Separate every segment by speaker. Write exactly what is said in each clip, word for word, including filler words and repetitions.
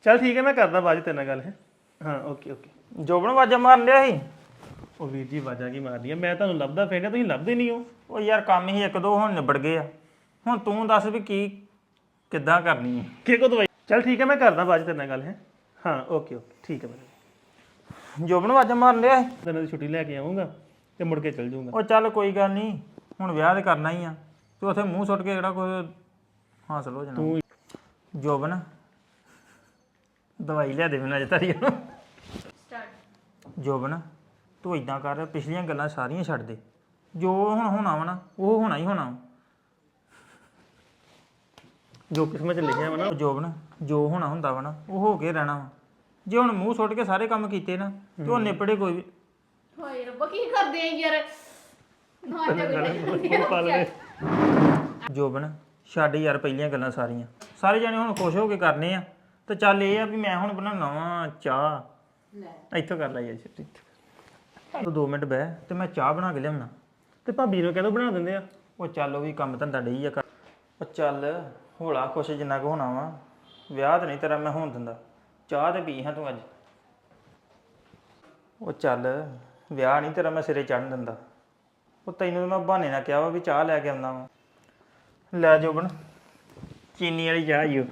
Speaker 1: ਚੱਲ ਠੀਕ ਹੈ ਮੈਂ ਕਰਦਾ ਬਾਅਦ 'ਚ ਤੇਰੇ ਨਾਲ ਗੱਲ ਹੈ ਹਾਂ ਓਕੇ ਓਕੇ
Speaker 2: ਜੋਬਨ ਵਾਜਾ ਮਾਰਨ ਲਿਆ ਸੀ
Speaker 1: ਉਹ ਵੀਰ ਜੀ ਆਵਾਜ਼ਾਂ ਕੀ ਮਾਰਦੀਆਂ ਮੈਂ ਤੁਹਾਨੂੰ ਲੱਭਦਾ ਫਿਰਦਾ ਤੁਸੀਂ ਲੱਭਦੇ ਨਹੀਂ ਹੋ
Speaker 2: ਉਹ ਯਾਰ ਕੰਮ ਹੀ ਇੱਕ ਦੋ ਹੁਣ ਨਿਬੜ ਗਏ ਆ ਹੁਣ ਤੂੰ ਦੱਸ ਵੀ ਕੀ ਕਿੱਦਾਂ ਕਰਨੀ ਹੈ
Speaker 1: ਕਿ ਕੋ ਦਵਾਈ ਚੱਲ ਠੀਕ ਹੈ ਮੈਂ ਕਰਦਾ ਬਾਅਦ 'ਚ ਤੇਰੇ ਨਾਲ ਗੱਲ ਹੈ ਹਾਂ ਓਕੇ ਓਕੇ ਠੀਕ ਹੈ ਮੈਂ
Speaker 2: ਜੋਬਨ ਵਾਜਾ ਮਾਰਨ ਲਿਆ ਸੀ
Speaker 1: ਦਿਨਾਂ ਦੀ ਛੁੱਟੀ ਲੈ ਕੇ ਆਉਂਗਾ ਤੇ ਮੁੜ ਕੇ ਚੱਲ ਜਾਊਂਗਾ
Speaker 2: ਉਹ ਚੱਲ ਕੋਈ ਗੱਲ ਨਹੀਂ ਹੁਣ ਵਿਆਹ ਤੇ ਕਰਨਾ ਹੀ ਆ ਤੇ ਉੱਥੇ ਮੂੰਹ ਸੁੱਟ ਕੇ ਜਿਹੜਾ ਕੁਝ ਹਾਸਲ ਹੋ ਜਾਣਾ
Speaker 1: ਤੂੰ
Speaker 2: ਜੋਬਨ ਦਵਾਈ ਲਿਆ ਦੇ ਮੈਨੂੰ ਅਜੇ ਤਾਰੀ ਜੋਬਨ ਤੂੰ ਇਦਾਂ ਕਰ ਪਿਛਲੀਆਂ ਗੱਲਾਂ ਸਾਰੀਆਂ ਛੱਡ ਦੇ ਜੋ ਹੁਣ ਹੋਣਾ ਵਾ ਨਾ ਉਹ ਹੋਣਾ ਹੀ ਹੋਣਾ ਵਾ।
Speaker 1: ਜੋ ਕਿਸਮਤ 'ਚ ਲਿਖਿਆ ਵਾ ਨਾ
Speaker 2: ਜੋਬਨ ਜੋ ਹੋਣਾ ਹੁੰਦਾ ਵਾ ਨਾ ਉਹ ਹੋ ਕੇ ਰਹਿਣਾ ਵਾ ਜੇ ਹੁਣ ਮੂੰਹ ਸੁੱਟ ਕੇ ਸਾਰੇ ਕੰਮ ਕੀਤੇ ਨਾ ਤੇ ਉਹ ਨਿਪੜੇ ਕੋਈ ਵੀ
Speaker 3: ਹਾਏ ਰੱਬਾ ਕੀ ਕਰਦੇ ਆ ਯਾਰ ਨਾ ਜਾ
Speaker 1: ਉਹ ਪਾਲ ਲੈ
Speaker 2: ਜੋਬਨ ਛੱਡ ਯਾਰ ਪਹਿਲੀਆਂ ਗੱਲਾਂ ਸਾਰੀਆਂ ਸਾਰੇ ਜਾਣੇ ਹੁਣ ਖੁਸ਼ ਹੋ ਕੇ ਕਰਨੇ ਆ ਤੇ ਚੱਲ ਇਹ ਆ ਵੀ ਮੈਂ ਹੁਣ ਬਣਾਉਣਾ ਵਾ ਚਾਹ
Speaker 3: ਲੈ
Speaker 2: ਇੱਥੋਂ ਕਰ ਲੈ ਯਾਰ ਛੇਤੀ ਤੂੰ ਦੋ ਮਿੰਟ ਬਹਿ ਤੇ ਮੈਂ ਚਾਹ ਬਣਾ ਕੇ ਲਿਆਉਣਾ
Speaker 1: ਤੇ ਭਾਬੀ ਨੂੰ ਕਹਿੰਦਾ ਬਣਾ ਦਿੰਦੇ ਆ
Speaker 2: ਉਹ ਚੱਲ ਉਹ ਵੀ ਕੰਮ ਧੰਦਾ ਡਈ ਆ ਕਰ ਉਹ ਚੱਲ ਹੋਲਾ ਖੁਸ਼ ਜਿੰਨਾ ਕੁ ਹੋਣਾ ਵਾ ਵਿਆਹ ਤੇ ਨਹੀਂ ਤੇਰਾ ਮੈਂ ਹੋਣ ਦਿੰਦਾ ਚਾਹ ਤੇ ਪੀ ਹਾਂ ਤੂੰ ਅੱਜ ਉਹ ਚੱਲ ਵਿਆਹ ਨਹੀਂ ਤੇਰਾ ਮੈਂ ਸਿਰੇ ਚੜਨ ਦਿੰਦਾ ਉਹ ਤੈਨੂੰ ਤਾਂ ਮੈਂ ਬਹਾਨੇ ਨਾਲ ਕਿਹਾ ਵਾ ਵੀ ਚਾਹ ਲੈ ਕੇ ਆਉਂਦਾ ਵਾ ਲੈ ਜੋਬਨ ਚੀਨੀ ਵਾਲੀ ਚਾਹ ਈ ਓ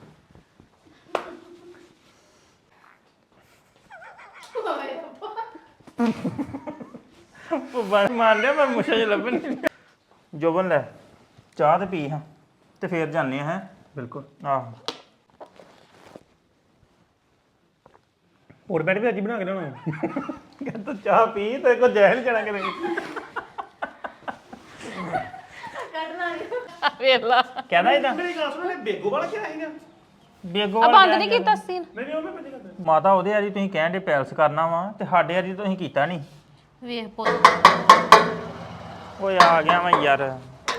Speaker 2: ਉਹ ਬਸ ਮਾਰ ਲਿਆ ਮੈਂ ਮੁਸ਼ਾ ਜਿਹਾ ਲੱਭਣ ਨਹੀਂ ਜੋਬਨ ਲੈ ਚਾਹ ਤੇ ਪੀ ਹਾਂ ਤੇ ਫੇਰ ਜਾਂਦੇ ਆ ਹੈ
Speaker 1: ਬਿਲਕੁਲ
Speaker 2: ਆਹੋ
Speaker 1: ਹੋਰ ਬੈਠ ਵੀ ਅੱਜ ਹੀ ਬਣਾ ਕੇ ਲਿਆਉਣਾ
Speaker 2: ਕਹਿੰਦਾ ਚਾਹ ਪੀ ਤੇ ਕੋ ਜਹਿਲ ਜਾਣਾ ਕਰੇ
Speaker 4: ਵੇਲਾ
Speaker 2: ਕਹਿੰਦਾ ਇਦਾਂ
Speaker 1: ਮੇਰੀ ਗੱਲ ਸੁਣ ਲੈ ਬੇਗੋ ਵਾਲਾ ਕਿਹਾ ਹੈਗਾ
Speaker 2: ਬੇਗੋ
Speaker 4: ਆ ਬੰਦ ਨਹੀਂ ਕੀਤਾ ਸੀਨ
Speaker 1: ਨਹੀਂ ਨਹੀਂ ਉਹ ਮੈਂ ਬੰਦ ਕਰਦਾ
Speaker 2: ਮਾਤਾ ਉਹਦੇ ਵਾਲੀ ਤੁਸੀਂ ਕਹਿਣ ਦੇ ਪੈਲਸ ਕਰਨਾ ਵਾ ਤੇ ਸਾਡੇ ਵਾਲੀ ਤੁਸੀਂ ਕੀਤਾ ਨਹੀਂ
Speaker 4: ਵੇਖ ਪੁੱਤ
Speaker 2: ਓਏ ਆ ਗਿਆ ਮੈਂ ਯਾਰ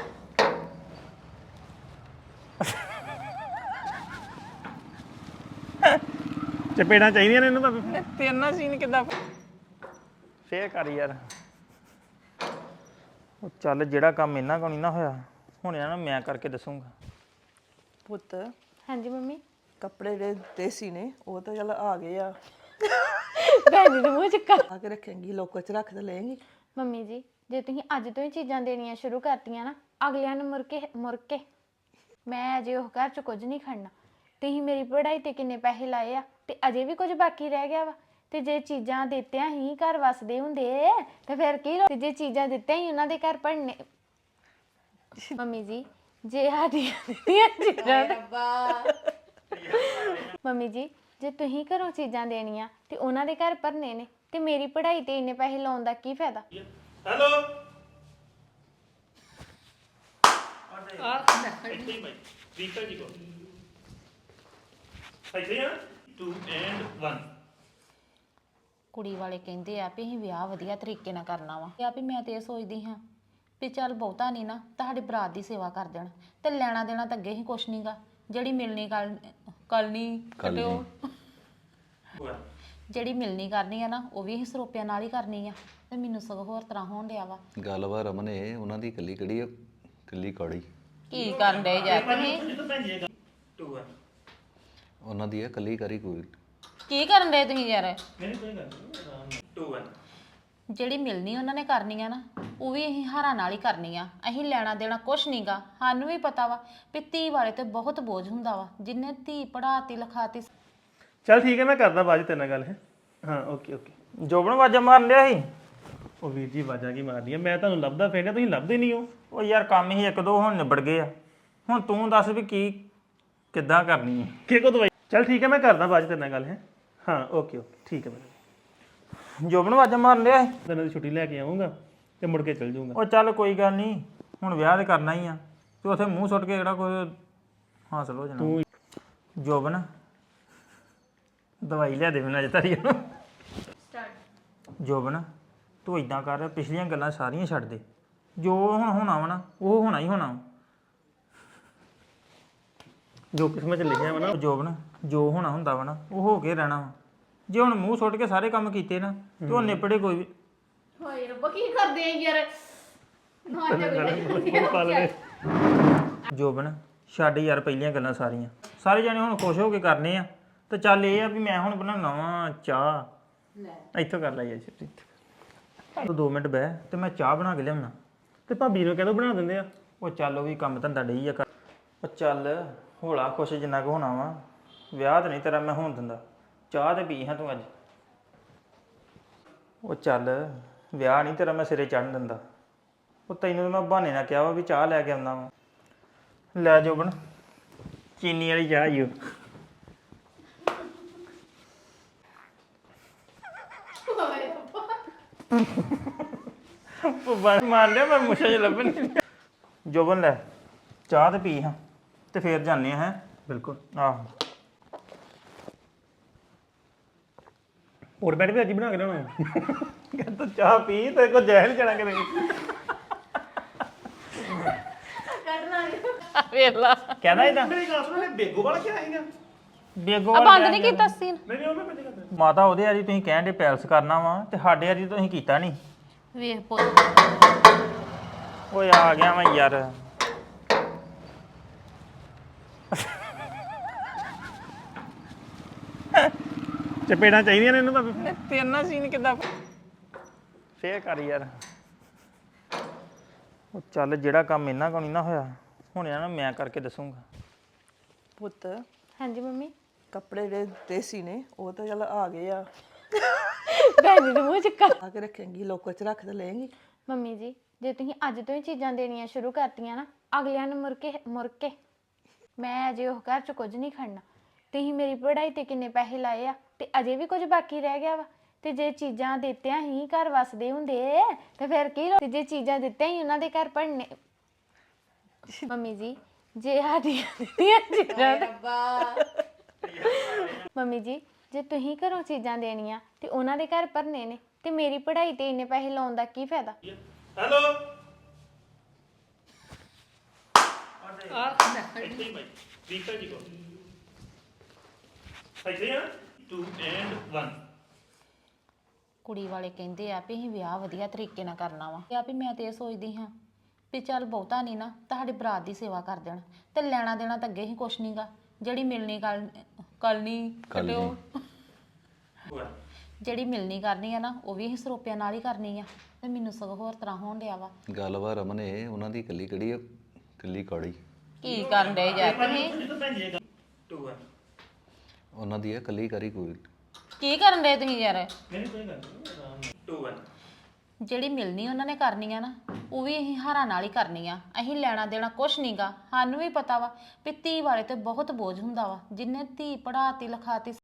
Speaker 1: ਚਪੇੜਾਂ ਚਾਹੀਦੀਆਂ ਨੇ ਇਹਨੂੰ ਭਾਵੇਂ
Speaker 2: ਤੇਨਾ ਸੀਨ ਕਿੱਦਾਂ ਫੇਰ ਕਰ ਯਾਰ ਉਹ ਚੱਲ ਜਿਹੜਾ ਕੰਮ ਇਹਨਾਂ ਕੋਲ ਨਹੀਂ ਨਾ ਹੋਇਆ ਹੁਣ ਇਹਨਾਂ ਨੂੰ ਮੈਂ ਕਰਕੇ ਦੱਸੂਗਾ
Speaker 5: ਪੁੱਤ
Speaker 4: ਹਾਂਜੀ ਮੰਮੀ
Speaker 5: ਕੱਪੜੇ ਜਿਹੜੇ ਦੇਸੀ ਨੇ ਉਹ ਤਾਂ ਚੱਲ ਆ ਗਏ ਆ
Speaker 4: ਭੈਣ ਜੀ ਦੇ ਮੂੰਹ ਚ ਕਰ
Speaker 5: ਆ ਕੇ ਰੱਖੇਂਗੀ ਲੋਕਰ ਚ ਰੱਖ ਤੇ ਲਏਂਗੀ
Speaker 4: ਮੰਮੀ ਜੀ ਜੇ ਤੁਸੀਂ ਅੱਜ ਤੋਂ ਹੀ ਚੀਜ਼ਾਂ ਦੇਣੀਆਂ ਸ਼ੁਰੂ ਕਰਤੀਆਂ ਨਾ ਅਗਲਿਆਂ ਨੂੰ ਮੁੜ ਕੇ ਮੁੜ ਕੇ ਮੈਂ ਅਜੇ ਉਹ ਘਰ ਚ ਕੁਝ ਨਹੀਂ ਖੜਨਾ ਤੁਸੀਂ ਮੇਰੀ ਪੜ੍ਹਾਈ ਤੇ ਕਿੰਨੇ ਪੈਸੇ ਲਾਏ ਆ ਤੇ ਅਜੇ ਵੀ ਕੁਝ ਬਾਕੀ ਰਹਿ ਗਿਆ ਵਾ ਤੇ ਜੇ ਚੀਜ਼ਾਂ ਦਿੱਤਿਆਂ ਹੀ ਘਰ ਵਸਦੇ ਹੁੰਦੇ ਤੇ ਫਿਰ ਕੀ ਤੇ ਜੇ ਚੀਜ਼ਾਂ ਦਿੱਤਿਆਂ ਹੀ ਉਹਨਾਂ ਦੇ ਘਰ ਪੜਨੇ ਮੰਮੀ ਜੀ ਜੇ ਸਾਡੀਆਂ ਦਿੱਤੀਆਂ ਚੀਜ਼ਾਂ ਤੇ- ਮੰਮੀ ਜੀ ਜੇ ਤੁਸੀਂ ਘਰੋਂ ਚੀਜ਼ਾਂ ਦੇਣੀਆਂ ਤੇ ਉਹਨਾਂ ਦੇ ਘਰ ਭਰਨੇ ਨੇ ਤੇ ਮੇਰੀ ਪੜ੍ਹਾਈ ਤੇ ਇੰਨੇ ਪੈਸੇ ਲਾਉਣ ਦਾ ਕੀ ਫਾਇਦਾ
Speaker 1: ਹੈਲੋ ਵੀਕਲ ਜੀ ਕੋ ਸਹੀ ਹੈ ਟੂ ਐਂਡ one
Speaker 4: ਕੁੜੀ ਵਾਲੇ ਕਹਿੰਦੇ ਆ ਵੀ ਅਸੀਂ ਵਿਆਹ ਵਧੀਆ ਤਰੀਕੇ ਨਾਲ ਕਰਨਾ ਵਾ ਆ ਵੀ ਮੈਂ ਤੇ ਇਹ ਸੋਚਦੀ ਹਾਂ ਵੀ ਚੱਲ ਬਹੁਤਾ ਨਹੀਂ ਨਾ ਤੁਹਾਡੀ ਬਰਾਤ ਦੀ ਸੇਵਾ ਕਰ ਦੇਣ ਤੇ ਲੈਣਾ ਦੇਣਾ ਤਾਂ ਅੱਗੇ ਹੀ ਕੁਛ ਨਹੀਂਗਾ ਜਿਹੜੀ ਮਿਲਣੀ ਕਰ ਕਰਨੀ ਕਟਿਓ ਜਿਹੜੀ ਮਿਲਣੀ ਕਰਨੀ ਆ ਨਾ ਉਹ ਵੀ ਅਸੀਂ ਸਰੋਪਿਆਂ ਨਾਲ ਹੀ ਕਰਨੀ ਆ ਤੇ ਮੈਨੂੰ ਸਗੋਂ ਹੋਰ ਤਰ੍ਹਾਂ ਹੋਣ ਡਿਆ ਵਾ
Speaker 6: ਗੱਲ ਵਾ ਰਮਨ ਇਹ ਉਹਨਾਂ ਦੀ ਕੱਲੀ ਕਿਹੜੀ ਆ ਕੱਲੀ ਕੌੜੀ
Speaker 4: ਕੀ ਕਰਨ ਡੇ ਯਾਰ ਤੁਸੀਂ
Speaker 1: ਟੂ one
Speaker 6: ਉਹਨਾਂ ਦੀ ਆ ਕੱਲੀ ਕਰੀ ਕੋਈ
Speaker 4: ਕੀ ਕਰਨ ਡੇ ਤੁਸੀਂ ਯਾਰ
Speaker 1: ਨਹੀਂ ਕੋਈ ਗੱਲ ਨਹੀਂ ਟੂ one
Speaker 4: ਜਿਹੜੀ ਮਿਲਣੀ ਉਹਨਾਂ ਨੇ ਕਰਨੀ ਆ ਨਾ ਉਹ ਵੀ ਅਸੀਂ ਹਾਰਾਂ ਨਾਲ ਹੀ ਕਰਨੀ ਆ ਅਸੀਂ ਲੈਣਾ ਦੇਣਾ ਕੁਛ ਨਹੀਂਗਾ ਸਾਨੂੰ ਵੀ ਪਤਾ ਵਾ ਵੀ ਧੀ ਵਾਲੇ ਤੇ ਬਹੁਤ ਬੋਝ ਹੁੰਦਾ ਵਾ ਜਿੰਨੇ ਧੀ ਪੜਾਤੀ ਲਿਖਾਤੀ
Speaker 1: ਚੱਲ ਠੀਕ ਹੈ ਮੈਂ ਕਰਦਾ ਬਾਅਦ 'ਚ ਤੇਰੇ ਨਾਲ ਗੱਲ ਹੈ ਹਾਂ ਓਕੇ ਓਕੇ
Speaker 2: ਜੋਬਨ ਵਾਜਾ ਮਾਰਨ ਲਿਆ ਸੀ
Speaker 1: ਉਹ ਵੀਰ ਜੀ ਆਵਾਜ਼ਾਂ ਕੀ ਮਾਰਦੀਆਂ ਮੈਂ ਤੁਹਾਨੂੰ ਲੱਭਦਾ ਫਿਰਦਾ ਤੁਸੀਂ ਲੱਭਦੇ ਨਹੀਂ ਹੋ
Speaker 2: ਉਹ ਯਾਰ ਕੰਮ ਹੀ ਇੱਕ ਦੋ ਹੁਣ ਨਿਬੜ ਗਏ ਆ ਹੁਣ ਤੂੰ ਦੱਸ ਵੀ ਕੀ ਕਿੱਦਾਂ ਕਰਨੀ ਹੈ
Speaker 1: ਕਿ ਕੋ ਦਵਾਈ ਚੱਲ ਠੀਕ ਹੈ ਮੈਂ ਕਰਦਾ ਬਾਅਦ 'ਚ ਤੇਰੇ ਨਾਲ ਗੱਲ ਹੈ ਹਾਂ ਓਕੇ ਓਕੇ ਠੀਕ ਹੈ ਮੈਂ
Speaker 2: ਜੋਬਨ ਵਾਜਾ ਮਾਰਨ ਲਿਆ ਸੀ
Speaker 1: ਦਿਨਾਂ ਦੀ ਛੁੱਟੀ ਲੈ ਕੇ ਆਉਂਗਾ ਤੇ ਮੁੜ ਕੇ ਚੱਲ ਜਾਊਂਗਾ
Speaker 2: ਉਹ ਚੱਲ ਕੋਈ ਗੱਲ ਨਹੀਂ ਹੁਣ ਵਿਆਹ ਤੇ ਕਰਨਾ ਹੀ ਆ ਤੇ ਉੱਥੇ ਮੂੰਹ ਸੁੱਟ ਕੇ ਜਿਹੜਾ ਕੁਝ ਹਾਸਲ ਹੋ ਜਾਣਾ
Speaker 1: ਤੂੰ
Speaker 2: ਜੋਬਨ ਦਵਾਈ ਲਿਆ ਦੇ ਮੈਨੂੰ ਅਜੇ ਤਾਰੀ ਜੋਬਨ ਤੂੰ ਇਦਾਂ ਕਰ ਪਿਛਲੀਆਂ ਗੱਲਾਂ ਸਾਰੀਆਂ ਛੱਡ ਦੇ ਜੋ ਹੁਣ ਹੋਣਾ ਵਾ ਨਾ ਉਹ ਹੋਣਾ ਹੀ ਹੋਣਾ ਵਾ।
Speaker 1: ਜੋ ਕਿਸਮਤ 'ਚ ਲਿਖਿਆ ਵਾ ਨਾ
Speaker 2: ਜੋਬਨ ਜੋ ਹੋਣਾ ਹੁੰਦਾ ਵਾ ਨਾ ਉਹ ਹੋ ਕੇ ਰਹਿਣਾ ਵਾ ਜੇ ਹੁਣ ਮੂੰਹ ਸੁੱਟ ਕੇ ਸਾਰੇ ਕੰਮ ਕੀਤੇ ਨਾ ਤੇ ਉਹ ਨਿਪੜੇ ਕੋਈ ਵੀ
Speaker 3: ਹਾਏ ਰੱਬਾ ਕੀ ਕਰਦੇ ਆ ਯਾਰ ਨਾ ਜਾ
Speaker 1: ਉਹ ਪਾਲ ਲੈ
Speaker 2: ਜੋਬਨ ਛੱਡ ਯਾਰ ਪਹਿਲੀਆਂ ਗੱਲਾਂ ਸਾਰੀਆਂ ਸਾਰੇ ਜਾਣੇ ਹੁਣ ਖੁਸ਼ ਹੋ ਕੇ ਕਰਨੇ ਆ ਤੇ ਚੱਲ ਇਹ ਆ ਵੀ ਮੈਂ ਹੁਣ ਬਣਾਉਣਾ ਵਾ ਚਾਹ
Speaker 3: ਲੈ
Speaker 2: ਇੱਥੋਂ ਕਰ ਲਈ ਜੀ ਤੂੰ ਦੋ ਮਿੰਟ ਬਹਿ ਤੇ ਮੈਂ ਚਾਹ ਬਣਾ ਕੇ ਲਿਆਉਣਾ
Speaker 1: ਤੇ ਭਾਬੀ ਨੂੰ ਕਹਿੰਦਾ ਬਣਾ ਦਿੰਦੇ ਆ
Speaker 2: ਉਹ ਚੱਲ ਉਹ ਵੀ ਕੰਮ ਧੰਦਾ ਡਈ ਆ ਕਰ ਉਹ ਚੱਲ ਹੋਲਾ ਖੁਸ਼ ਜਿੰਨਾ ਕੁ ਹੋਣਾ ਵਾ ਵਿਆਹ ਤਾਂ ਨਹੀਂ ਤੇਰਾ ਮੈਂ ਹੋਣ ਦਿੰਦਾ ਚਾਹ ਤੇ ਪੀ ਹਾਂ ਤੂੰ ਅੱਜ ਉਹ ਚੱਲ ਵਿਆਹ ਨਹੀਂ ਤੇਰਾ ਮੈਂ ਸਿਰੇ ਚੜਨ ਦਿੰਦਾ ਉਹ ਤੈਨੂੰ ਤਾਂ ਮੈਂ ਬਹਾਨੇ ਨਾਲ ਕਿਹਾ ਵਾ ਵੀ ਚਾਹ ਲੈ ਕੇ ਆਉਂਦਾ ਵਾ ਲੈ ਜੋਬਨ ਚੀਨੀ ਵਾਲੀ ਚਾਹ ਈ ਓ ਉਹ ਬਸ ਮਾਰ ਲਿਆ ਮੈਂ ਮੁਸ਼ਾ ਜਿਹਾ ਲੱਭਣ ਨਹੀਂ ਡਿਆ। ਜੋਬਨ ਲੈ ਚਾਹ ਤੇ ਪੀ ਹਾਂ ਤੇ ਫੇਰ ਜਾਂਦੇ ਆ ਹੈ
Speaker 1: ਬਿਲਕੁਲ
Speaker 2: ਆਹੋ
Speaker 1: ਹੋਰ ਬੈਠ ਵੀ ਅੱਜ ਹੀ ਬਣਾ ਕੇ ਲਿਆਉਣਾ ਕਹਿੰਦਾ ਚਾਹ ਪੀ ਤੇ ਕੋ ਜ਼ਹਿਰ ਚੜਾ ਕੇ ਦੇ
Speaker 3: ਵੇਲਾ
Speaker 2: ਕਹਿੰਦਾ ਇਦਾਂ
Speaker 1: ਮੇਰੀ ਗੱਲ ਸੁਣ ਬੇਗੋ ਵਾਲਾ ਕੀ ਆਏਗਾ
Speaker 2: ਬੇਗੋ
Speaker 3: ਬੰਦ ਨਹੀਂ ਕੀਤਾ ਸੀਨ
Speaker 1: ਨਹੀਂ ਨਹੀਂ ਉਹ ਮੈਂ ਪਤਾ ਕਰਦਾ
Speaker 2: ਮਾਤਾ ਉਹਦੇ ਵਾਲੀ ਤੁਸੀਂ ਕਹਿੰਦੇ ਪੈਲਸ ਕਰਨਾ ਵਾ ਤੇ ਸਾਡੇ ਵਾਲੀ ਤੁਸੀਂ ਕੀਤਾ ਨਹੀਂ
Speaker 3: ਵੇਖ ਪੁੱਤ
Speaker 2: ਓਏ ਆ ਗਿਆ ਮੈਂ ਯਾਰ
Speaker 1: ਚਪੇੜਾਂ ਚਾਹੀਦੀਆਂ ਨੇ ਇਹਨੂੰ ਭਾਵੇਂ
Speaker 2: ਤੇਨਾ ਸੀਨ ਕਿੱਦਾਂ ਫੇਰ ਕਰ ਯਾਰ ਉਹ ਚੱਲ ਜਿਹੜਾ ਕੰਮ ਇਹਨਾਂ ਕੋਲ ਨਹੀਂ ਨਾ ਹੋਇਆ ਹੁਣ ਇਹਨਾਂ ਨੂੰ ਮੈਂ ਕਰਕੇ ਦੱਸੂਗਾ
Speaker 5: ਪੁੱਤ
Speaker 4: ਹਾਂਜੀ ਮੰਮੀ
Speaker 5: ਕੱਪੜੇ ਜਿਹੜੇ ਦੇਸੀ ਨੇ ਉਹ ਤਾਂ ਚੱਲ ਆ ਗਏ ਆ
Speaker 4: ਭੈਣ ਜੀ ਦੇ ਮੂੰਹ ਚ ਕਾ
Speaker 5: ਆ ਕੇ ਰੱਖੇਂਗੀ ਲੋਕਰ ਚ ਰੱਖ ਤੇ ਲਏਂਗੀ
Speaker 4: ਮੰਮੀ ਜੀ ਜੇ ਤੁਸੀਂ ਅੱਜ ਤੋਂ ਹੀ ਚੀਜ਼ਾਂ ਦੇਣੀਆਂ ਸ਼ੁਰੂ ਕਰਤੀਆਂ ਨਾ ਅਗਲਿਆਂ ਨੂੰ ਮੁੜ ਕੇ ਮੁੜ ਕੇ ਮੈਂ ਅਜੇ ਉਹ ਘਰ ਚ ਕੁਝ ਨਹੀਂ ਖੜਨਾ ਤੁਸੀਂ ਮੇਰੀ ਪੜ੍ਹਾਈ ਤੇ ਕਿੰਨੇ ਪੈਸੇ ਲਾਏ ਆ ਤੇ ਅਜੇ ਵੀ ਕੁਝ ਬਾਕੀ ਰਹਿ ਗਿਆ ਵਾ ਤੇ ਜੇ ਚੀਜ਼ਾਂ ਦਿੱਤਿਆਂ ਹੀ ਘਰ ਵਸਦੇ ਹੁੰਦੇ ਤੇ ਫਿਰ ਕੀ ਲੋ- ਤੇ ਜੇ ਚੀਜ਼ਾਂ ਦਿੱਤਿਆਂ ਹੀ ਉਹਨਾਂ ਦੇ ਘਰ ਪੜਨੇ ਮੰਮੀ ਜੀ ਜੇ ਸਾਡੀਆਂ ਦਿੱਤੀਆਂ ਚੀਜ਼ਾਂ ਤੇ ਮੰਮੀ ਜੀ ਜੇ ਤੁਸੀਂ ਘਰੋਂ ਚੀਜ਼ਾਂ ਦੇਣੀਆਂ ਤੇ ਉਹਨਾਂ ਦੇ ਘਰ ਭਰਨੇ ਨੇ ਤੇ ਮੇਰੀ ਪੜ੍ਹਾਈ ਤੇ ਇੰਨੇ ਪੈਸੇ ਲਾਉਣ ਦਾ ਕੀ ਫਾਇਦਾ
Speaker 1: ਹੈਲੋ ਵੀਕਲ ਜੀ ਕੋ ਸਹੀ ਹੈ ਟੂ ਐਂਡ one
Speaker 3: ਕੁੜੀ ਵਾਲੇ ਕਹਿੰਦੇ ਆ ਵੀ ਅਸੀਂ ਵਿਆਹ ਵਧੀਆ ਤਰੀਕੇ ਨਾਲ ਕਰਨਾ ਵਾ ਆ ਵੀ ਮੈਂ ਤੇ ਇਹ ਸੋਚਦੀ ਹਾਂ ਵੀ ਚੱਲ ਬਹੁਤਾ ਨਹੀਂ ਨਾ ਤੁਹਾਡੇ ਬਰਾਤ ਦੀ ਸੇਵਾ ਕਰ ਦੇਣ ਤੇ ਲੈਣਾ ਦੇਣਾ ਤਾਂ ਅੱਗੇ ਹੀ ਕੁਛ ਨਹੀਂਗਾ ਜਿਹੜੀ ਮਿਲਣੀ ਗੱਲ ਕਰਨੀ ਕਟਿਓ ਜਿਹੜੀ ਮਿਲਣੀ ਕਰਨੀ ਆ ਨਾ ਉਹ ਵੀ ਅਸੀਂ ਸਰੋਪਿਆਂ ਨਾਲ ਹੀ ਕਰਨੀ ਆ ਤੇ ਮੈਨੂੰ ਸਗੋਂ ਹੋਰ ਤਰ੍ਹਾਂ ਹੋਣ ਡਿਆ ਵਾ
Speaker 6: ਗੱਲ ਵਾ ਰਮਨ ਇਹ ਉਹਨਾਂ ਦੀ ਕੱਲੀ ਕਿਹੜੀ ਆ ਕੱਲੀ ਕੌੜੀ
Speaker 3: ਕੀ ਕਰਨ ਡੇ ਯਾਰ ਤੁਸੀਂ
Speaker 1: ਟੂ
Speaker 6: ਉਹਨਾਂ ਦੀ ਆ ਕੱਲੀ ਕਰੀ ਕੋਈ
Speaker 3: ਕੀ ਕਰਨ ਡੇ ਤੁਸੀਂ ਯਾਰ
Speaker 1: ਨਹੀਂ ਕੋਈ ਗੱਲ ਨਹੀਂ ਟੂ one
Speaker 3: ਜਿਹੜੀ ਮਿਲਣੀ ਉਹਨਾਂ ਨੇ ਕਰਨੀ ਆ ਨਾ ਉਹ ਵੀ ਅਸੀਂ ਹਾਰਾਂ ਨਾਲ ਹੀ ਕਰਨੀ ਆ ਅਸੀਂ ਲੈਣਾ ਦੇਣਾ ਕੁਛ ਨਹੀਂਗਾ ਸਾਨੂੰ ਵੀ ਪਤਾ ਵਾ ਵੀ ਧੀ ਵਾਲੇ ਤੇ ਬਹੁਤ ਬੋਝ ਹੁੰਦਾ ਵਾ ਜਿੰਨੇ ਧੀ ਪੜਾਤੀ ਲਿਖਾਤੀ